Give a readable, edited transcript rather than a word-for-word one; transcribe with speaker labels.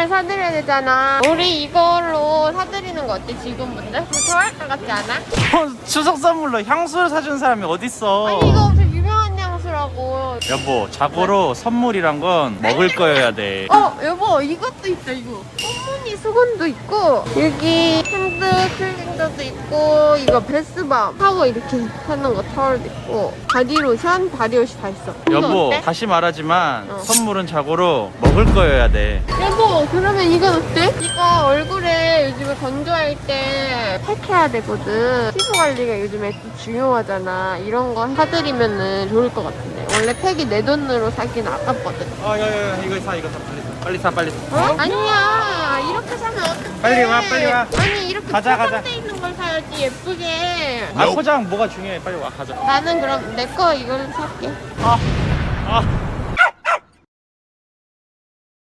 Speaker 1: 선물 사드려야 되잖아. 우리 이걸로 사드리는 거 어때, 지금부터? 좋아할 것 같지 않아?
Speaker 2: 추석 선물로 향수를 사준 사람이 어딨어.
Speaker 1: 아니, 이거 엄청 유명한 향수라고.
Speaker 2: 여보, 자고로 선물이란 건 먹을 거여야 돼.
Speaker 1: 여보, 이것도 있다, 이거. 꽃무늬 수건도 있고, 여기 핸드 클렌저도 있고, 이거 베스밤 타워 이렇게 하는 거 타월도 있고, 바디로션, 바디워시 다 있어. 이거
Speaker 2: 여보,
Speaker 1: 어때?
Speaker 2: 다시 말하지만
Speaker 1: 어.
Speaker 2: 선물은 자고로 먹을 거여야 돼.
Speaker 1: 여보, 그러면 이건 어때? 이거 얼굴에 요즘에 건조할 때 팩해야 되거든. 피부 관리가 요즘에 좀 중요하잖아. 이런 거 사드리면은 좋을 것 같은데. 원래 팩이 내 돈으로 사기는 아깝거든.
Speaker 2: 야야야, 이거 사 빨리 사. 빨리 사.
Speaker 1: 어? 아니야, 이렇게 사면 어떡해.
Speaker 2: 빨리 와, 빨리 와.
Speaker 1: 아니, 이렇게
Speaker 2: 가자.
Speaker 1: 포장돼 있는 걸 사야지, 예쁘게.
Speaker 2: 아, 포장 뭐가 중요해. 빨리 와, 가자.
Speaker 1: 나는 그럼 내 거 이걸 살게.
Speaker 2: 아